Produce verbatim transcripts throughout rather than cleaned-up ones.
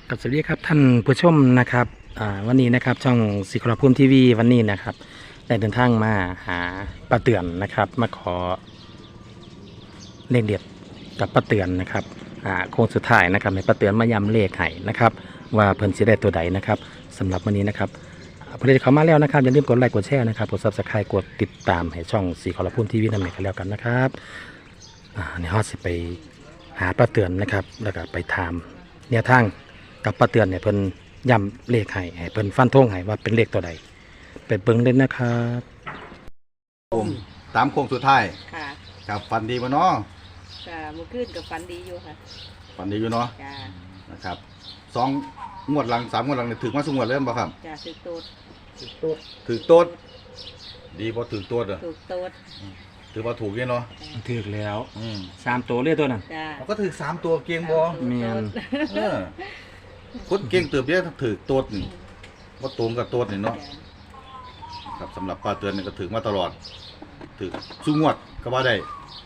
กับสวัสดีครับท่านผู้ชมนะครับวันนี้นะครับช่องสิคราพุ่มทีวีวันนี้นะครับได้เดินทางมาหาป้าเตือนนะครับมาขอเลขเด็ดกับป้าเตือนนะครับโค้งสุดท้ายนะครับให้ป้าเตือนมาย้ำเลขให้นะครับว่าเพิ่นสิได้ตัวใดนะครับสำหรับวันนี้นะครับผู้ใดที่เข้ามาแล้วนะครับอย่าลืมกดไลค์กดแชร์นะครับกดซับสไครต์กดติดตามให้ช่องสิคราพุ่มทีวีนั่นเองกันแล้วกันนะครับในฮอตสิไปหาป้าเตือนนะครับแล้วก็ไปถามแนวทางกับป้าเตือนเนี่ยเพิ่นย้ำเลขให้ให้เพิ่นฟันธงให้ว่าเป็นเลขตัวใดไปเบิ่งเล่นนะครับผมตามโค้งสุดท้ายค่ะกับฟันดีบ่เนาะค่ะมื้อคืนกับฝันดีอยู่ค่ะฟันดีอยู่เนาะจ้านะครับสองงวดหลังสามงวดหลังนี่ถึงมาสุงวดเริ่มบ่ครับจ้าถือโต๊ดถือโต๊ดถือโต๊ดดีบ่ถือโต๊ดเหรอถือโต๊ดถือว่าถูกเนาะถือแล้วสามตัวเรียกตัวนั้นจ้าก็ถือสามตัวเก่งบ่แม่นเออคนเก่งเติบเยอะถือโต๊ดนี่บ่ตรงกับโต๊ดนี่เนาะครับสำหรับป้าเตือนนี่ก็ถือมาตลอดถือสุงวดก็ว่าได้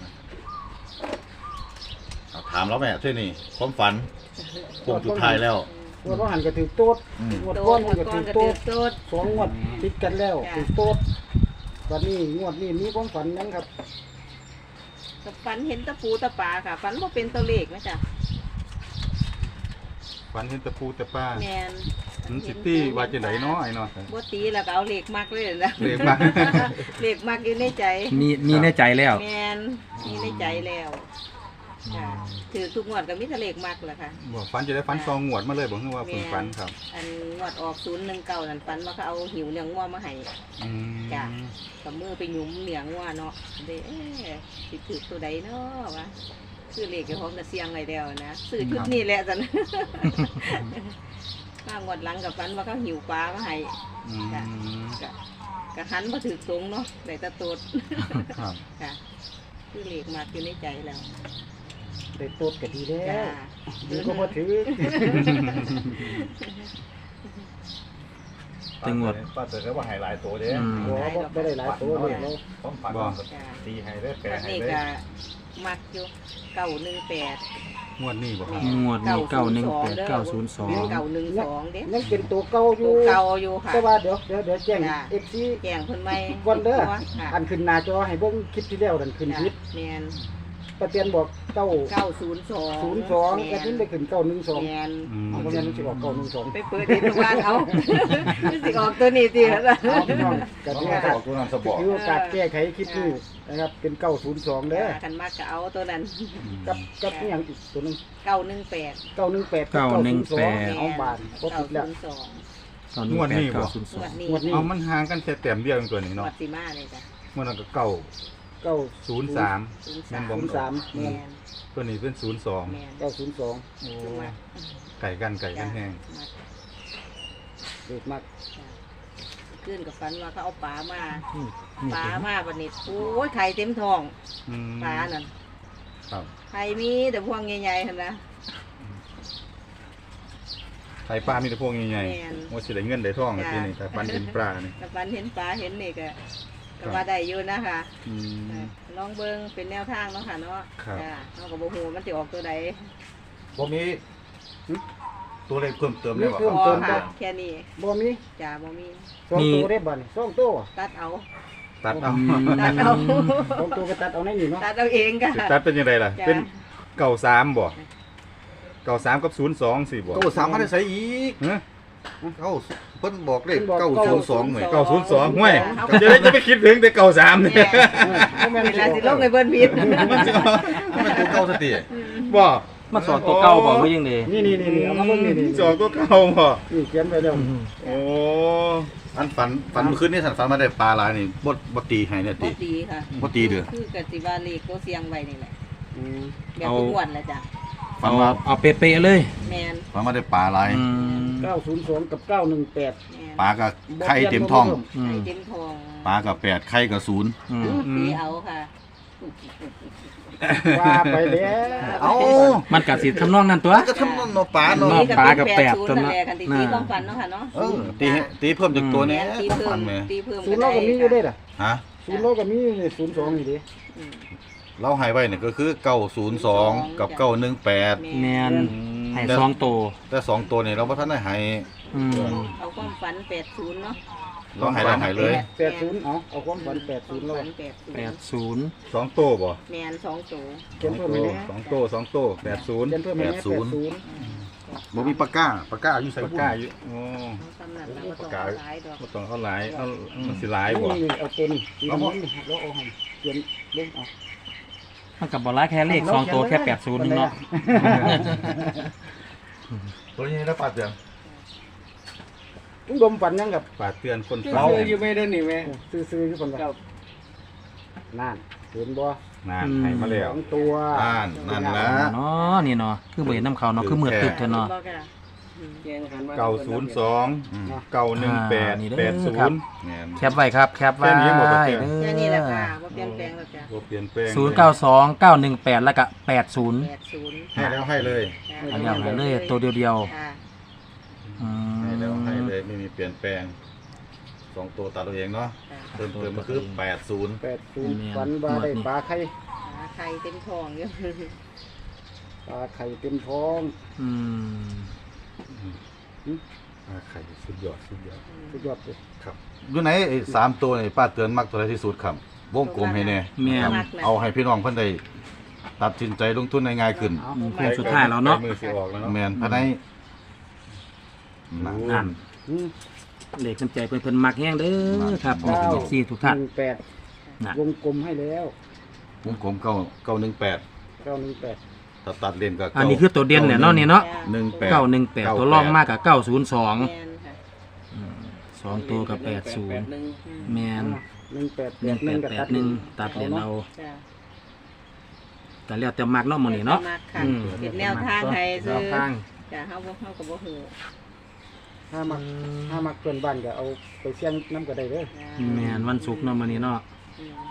ถามแล้วแม่เท่านี้ความฝันโค้งสุดท้ายแล้วงวดว่าหันก็ถือโต๊ดงวดก้อนก็ถือโต๊ดสองงวดติดกันแล้วถือโต๊ดวันนี้งวดนี้มีความฝันยังครับกับฝันเห็นตะปูตะปลาค่ะฝันว่าเป็นตัวเลขนะจ๊ะฝันเห็นตะปูตะปลาแมนซิตี้ว่าจะไหนเนาะไอ้เนาะบ่ตีแล้วก็เอาเลขมักเลยนะเลขมักเลขมักอยู่ในใจมีมีในใจแล้วแมนมีในใจแล้วถือทุกงวดก็มีทะเลขมากแหละค่ะบอกฟันจะได้ฟันซองงวดมาเลยบอกว่าฝึกฟันครับอันงวดออกศูนย์หนึ่งเก้านั่นฟันว่าเขาเอาหิวเนื้องัวมาให้จ้ะกับมือไปหยุมเนื้องัวเนาะเด้สิถือตัวใดเนาะวะซื้อเลขกับผมจะเสียงเลยเดียวนะซื้อชุดนี้แหละจันมางวดหลังกับฟันว่าเขาหิวปลามาให้จ้ะกะหันมาถือตรงเนาะได้ตะตูดค่ะซื้อเลขมากอยู่ในใจแล้วได้โต๊ดก็ดีแล้วดีก็มาถือตังวดป้าเตือนว่าหายหลายตัวเด้บ่ไม่ได้หลายตัวเลยเราต้องฝันบ่ตีให้ได้แปลให้ได้มักอยู่เก้าหนึ่งแปดงวดนี้บ่ครับงวดนี้เก้าหนึ่งแปดเก้าศูนย์สองเก้าหนึ่งสองเด้ยังเป็นตัวเก่าอยู่เก่าอยู่ค่ะแต่ว่าเดี๋ยวเดี๋ยวเดี๋ยวแจ้งเอฟซีแจ้งคนใหม่วันเด้ออันขึ้นหน้าจอให้เบิ่งคลิปที่แล้วดันขึ้นคลิปแม่นป้าเตียนบอกเก้าเก้าศูนย์สองศูนย์สองกระทิ้นได้ขึ้นเก้าหนึ่งสองแม่นเอาเพราะงั้นมันจะออกเก้าหนึ่งสองไปเปิดเห็นว่าเขาสิออกตัวนี้สิครับน้องกระทิ้นออกตัวนั้นสบอกคือโอกาสแก้ไขคลิปนี้นะครับเป็นเก้าศูนย์สองเด้อกันมากก็เอาตัวนั้นกับกับนี่อย่างอีกตัวนึงเก้าหนึ่งแปดเก้าหนึ่งแปดเก้าหนึ่งแปดเอาบานครบติดแล้วงวดนี้บ่งวดนี้เอามันห่างกันแค่แต้มเดียวตัวนี้เนาะงวดสิมาเลยจ้ะงวดนั้นก็เก้าเก้าศูนย์สามแม่นบ่ศูนย์สามแม่นตัวนี้เป็นศูนย์สองเก้าศูนย์สองโอ้ไก่กันไก่กันแห้งเด็ดมากขึ้นกับฟันว่าเขาเอาปลามาปลามาบันนี้โอ้ยไข่เต็มท้องปลานั่นไข่มีแต่พวงใหญ่ๆเห็นนะไข่ปลามีแต่พวงใหญ่ๆว่าสิได้เงินได้ทองทีนี้แต่ฟันเห็นปลานี่แต่ฟันเห็นปลาเห็นนี่ก็ก็ว่าได้อยู่นะคะลองเบิ้งเป็นแนวทางเนาะค่ะเนาะจ้าเนาะกับโบหูมันจะออกตัวใดบ่มีตัวเลขเพิ่มเติมได้บ่เพิ่มเติมได้แค่นี้บ่มีจ้าบ่มีสองตัวได้บ่นี่สองตัวตัดเอาตัดเอาตัดเอาสองตัวก็ตัดเอาในนี่เนาะตัดเอาเองค่ะตัดเป็นยังไงล่ะเป็นเก้าสามบ่เก้าสามกับศูนย์สองสี่บ่เก้าสามมันได้ใส่อีกเก้าเพิ่นบอกเลขเก้าศูนย์สองเหมือนเก้าศูนย์สองห่วยจะได้จะไปคิดถึงแต่เก้าสามเนี่ยเวลาสิลงในเบิ้ลพิษมันจะมันตัวเก้าสติบ่มาสอดตัวเก่าบอกว่ายังไงนี่นี่นี่เอามาเบิ่งนี่นี่สอดตัวเก่าบ่นี่เขียนไปแล้วโอ้อันฝันฝันเมื่อคืนนี้สันฝันมาได้ปลาหลายนี่บ่บ่ตีให้เนี่ยตีบ่ตีค่ะบ่ตีเด้อคือกสิว่าเลขตัวเสียงไว้นี่แหละแบบทุกวันแหละจ้ะฝันว่าเอาเป๊ะๆเลยแม่นฝันมาได้ปลาหลายเก้าศูนย์สองกับเก้าหนึ่งแปดปลากับไข่เต็มท้องไข่เต็มท้องปลากับแปดไข่กับศูนย์ตีเอาค่ะว่าไปแล้วเอามันกัดสิทำนองนั้นตัวก็ทำนองปลาเนาะปลากับแปดตัวนั้นตีความฝันเนาะค่ะเนาะตีตีเพิ่มจากตัวนี้ตีเพิ่มตีเพิ่มศูนย์โลก็มีอยู่ได้ล่ะฮะศูนย์โลก็มีศูนย์สองอยู่ดิเราหายไว้เนี่ยก็คือเก้าศูนย์สองกับเก้าหนึ่งแปดแมนให้สองตัวแต่สองตัวนี่เราบ่ทันได้ให้อืมเอาความฝันแปดศูนย์เนาะเราให้เราให้เลยแปดศูนย์เอาเอาความฝันแปดศูนย์แล้วฝันแปดศูนแปดย์ศูนย์สองตัวบ่แมนสองตัวเขียนเพิ่มไหมเนี่ยสองตัวสองตัวแปดศูนย์เขียนเพิ่มไหมเนี่ยแปดศูนย์บ่มีปากกาปากกาอยู่ใส่ปากกาอยู่โอ้เอาสำนักเราก็ต้องเอาหลายดอกบ่ต้องเอาหลายเอามันสิหลายบ่นี่เอาตัวนี้สีน้ำเงินนี่แล้วเอาให้เขียนลงเอามันกับบอลไลแค่เลขสองตัวแค่แปดศูนย์นึงเนาะตัวนี้ได้ปาดเตือนลุงดมฝันยังกับปาดเตือนคนซื้เฝ้าออยู่ไม่ได้นี่แม่ซื้อๆอยู่คนกับนั่นเห็นบ่นานให้มาแล้วสองตัวอ่านนั่นละเนาะนี่เนาะคือเบยน้ำเขาเนาะคือมืดตึ๊บเถอะเนาะบอกกันอะอืมแกงหันมาเก้าศูนย์สองเก้าหนึ่งแปดอ่านี่เด้อแปดศูครับนย์แม่นแคปไว้ครับแคปไว้แค่นี้หมดแล้วเด้แค่นี้แหละค่ะว่าเปลี่ยนแปลงแล้วจ้ะบ่เปลี่ยนแปลงศูนย์เก้าสองเก้าหนึ่งแปดแล้วก็แปดศูนย์แปดศูนย์ให้แล้วให้เลยอันนี้เอาเลยตัวเดียวค่ะๆอืให้แล้วให้มเลยไม่มีเปลี่ยนแปลงสองตัวตัดตัวเองเนาะค่ะเติมเติมมาคือแปดศูนย์แปดศูนย์ฝันว่าได้ปลาไข่หาใครเต็มทองอยู่ปลาไข่เต็มท้องอืมไข่สุดยอดสุดยอดสุดยอดเลยครับอยู่ไหนไอ้สามตัวนี่ป้าเตือนมักตัวใดที่สุดครับวงกลมให้แน่แม่นมักนะเอาให้พี่น้องเพิ่นได้ตัดสินใจลงทุนได้ง่ายขึ้นเอาอืมโค้งสุดท้ายแล้วเนาะมือสิออกแล้วเนาะแม่นภายในนั่นนั่นอืมเลขน้ำใจเพิ่นเพิ่นมักแห้งเด้อครับนี่เป็นสี่ทุกท่านหนึ่งแปดน่ะวงกลมให้แล้ววงกลมเก้าเก้าหนึ่งแปดเก้าหนึ่งแปดตัดตัดเลนก็อันนี้คือตัวเด่นเนี่ยเนาะนี่เนาะหนึ่งแปดเก้าหนึ่งแปดตัวรองมากกับเก้าศูนย์สองแมนค่ะสองตัวกับแปดศูนย์หนึ่งแมนหนึ่งแปดหนึ่งแปดกับแปดหนึ่งตัดเหรียญเอาจ้ะแต่แล้วแต่มักเนาะหมื้นี้เนาะมักค่ะอืมเป็นแนวทางให้แนซื้อวทางจ้ะเฮาบ่เฮาก็บ่ฮู้ถ้ามักถ้ามักเพื่อนบ้านก็เอาไปเสี่ยงน้ำก็ได้เด้อจ้ะแมนวันศุกร์เนาะมื้อนี้เนาะอืม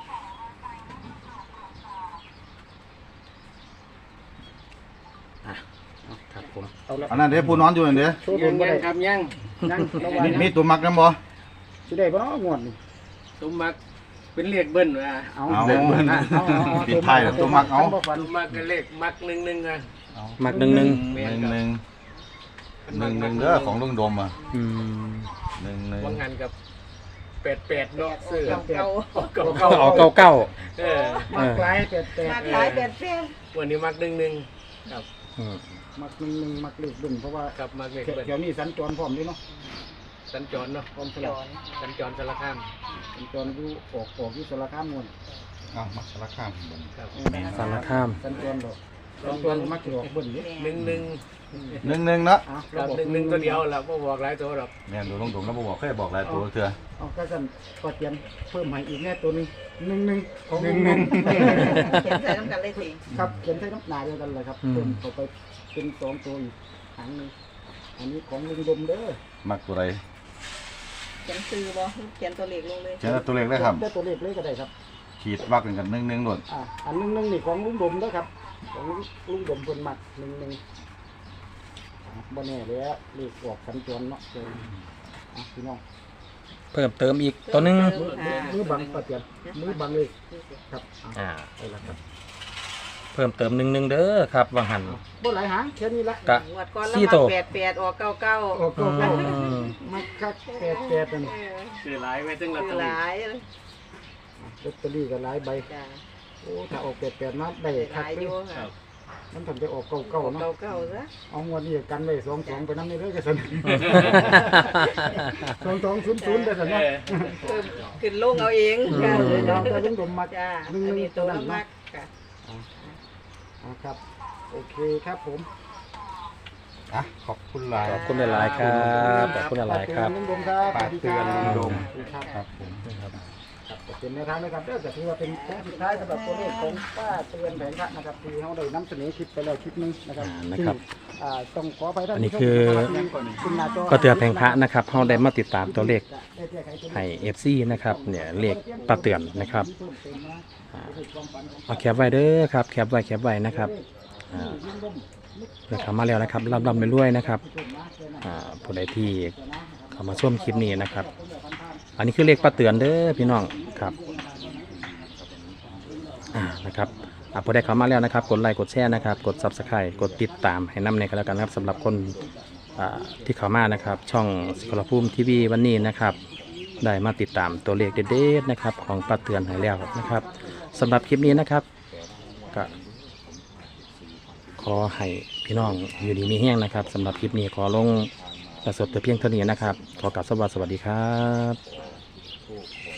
ครับผมเอาละอันนั้นเด้ผู้นอนอยู่นั่นเด้โชว์โดยังนบ่ยัได้งครับยังยังระวังมีนะมีตัวมักนํบ่สิได้บ่เนาะงวดนี่ตุ้มมักเป็นเลขเบิ้ลว่ะเอาเอาเอาเอาเอาปิดท้ายแล้วตัวมักเอาบ่ฝันตุ้มมักก็เลขมักหนึ่งหนึ่งอ่ะมักหนึ่งหนึ่งหนึ่งหนึ่งหนึ่งหนึ่งเด้อของลุงดมอ่ะอืมหนึ่งหนึ่งว่างานกับแปดแปดเนาะซื้อเก่าเก่าเอาเก้าเก้าเออมักหลายแปดแปดๆมาขายแปดแปดวันนี้มักหนึ่งหนึ่งครับอืมมักหนึ่งหนึ่งมักเลขเบิ่นเพราะว่ากับมักเลขเดี๋เบิ้ลยวนี้สัญจรพร้อมด้วยเนาะสัญจรเนาะพร้อมสจลับอนสัญจรสารคามสัญจรอยู่ออกออกอยู่สารคามม่วนอ้าวมักสารคามบ่ครับสารคามสัญจรดอกสัญจรมักสิออกเบิ่นเด้หนึ่งหนึ่งหนึ่งหนึ่งเนาะอ่ะกับบอกหนึ่งหนึ่งตัวเดียวแล้วก็บอกหลายตัวหรอกแม่นดูลุงดมแล้วบ่บอกแค่บอกหลายตัวเถื่อเอาก็สั่นก็เตรียมเพิ่มให้อีกแน่ตัวหนึงหนึ่งหนึ่งของหนึ่งหนึ่งเขียนใส่น้ำกันเลยสิครับเขียนใช้น้ำหนาเดียวกันเลยครับเพิ่มเข้าไปเป็นสองตัวอีกหางหนึงอันนี้ของลุงดมเด้อมักตัวใดเขียนซื้อบ่เขียนตัวเลขลงเลยเขียนตัวเลขได้ครับได้ตัวเลขเลยก็ได้ครับขีดวักกันกันหนึ่งหนึ่งโดดอ่าอันหนึงหนึงนี่ของลุงดมเด้อครับของลุงดมเพิ่นมักหนึ่งหนึ่งอ่ะบ่แน่เลยอะเลขออกสัญจรเนาะเจออ่ะพี่น้องเพิ่มเติมอีกตัวหนึงเติมค่ะมือบังปะเตียนมือบังเลยครับอ่ะอ่าเพิ่มเติมหนึ่งหนึ่งเด้อครับวังหันบ่หลายหางแค่นี้ละกะงวดก่อนสี่แล้วตัวมาแปดแปดออกเก้าเก้าโอ้โหอืมมักคักแปดแปดนั่นเออซื้อหลายไว้ถึงลอตคือเตอหรี่ลายเลยลอตเตอรี่ก็หลายใบจ้ะโอ้ถ้าออกแปดแปดมาได้หคักลายเลอย ยู่ค่ะมันทำไปออกเก่าเก่าๆเนาะเก้าเก้าซะเอางวดนี้กันไว้สองสองไปน้ำนี่เลยกันสันสองสองศูนย์ศูนย์ได้สันเอเนาะอเพิ่มขึ้นลงเอาเองจ้าค่ะเลยเราจะลุงดมมักจ้าหนึ่งอันหนึ่นี้งตัตัววนั้นมัเนาะกค่ะอ่าครับโอเคครับผมอ่ะขอบคุณหลายขอบคุณหลายๆครับขอบคุณหลายๆครับลุงดมครับปากเตือนลุงดมสวัสดีครับครับผมครับก็เป็นแนวทางนะครับเด้อก็ถือว่าเป็นโค้งสุดท้ายสำหรับตัวเลขของป้าเตือนแผงพระนะครับที่เราได้นำเสนอคลิปไปแล้วคลิปหนึงนะครับอ่านะครับที่อ่าต้องขอไปท่านอันนี้ผู้ชมคือขึ้นหน้าจก็เตือนแผงพระนะครับเราได้มาติดตามตัวเลขให้ เอฟ ซี นะครับเนี่ยเลขปลาเตือนนะครับอ่าเอาแคปไว้เด้อครับแคปไว้แคปไว้นะครับอ่าเพื่อเข้ามาแล้วนะครับรับรับไปด้วยนะครับอ่าผู้ใดที่เข้ามาชมคลิปนี้นะครับ อันนี้คือเลขปลาเตือนเด้อพี่น้องครับอ่านะครับอ่าพอได้เข้ามาแล้วนะครับกดไลค์กดแชร์นะครับกด ซับสไครบ์ กดติดตามให้นำในกันแล้วกันนะครับสำหรับคนอ่าที่เข้ามานะครับช่องสิขลภูมิทีวีวันนี้นะครับได้มาติดตามตัวเลขเด็ดๆนะครับของป้าเตือนให้แล้วนะครับสำหรับคลิปนี้นะครับก็ขอให้พี่น้องอยู่ดีมีแห้งนะครับสำหรับคลิปนี้ขอลงประสบแต่เพียงเท่านี้นะครับขอกราบสวัสดีครับ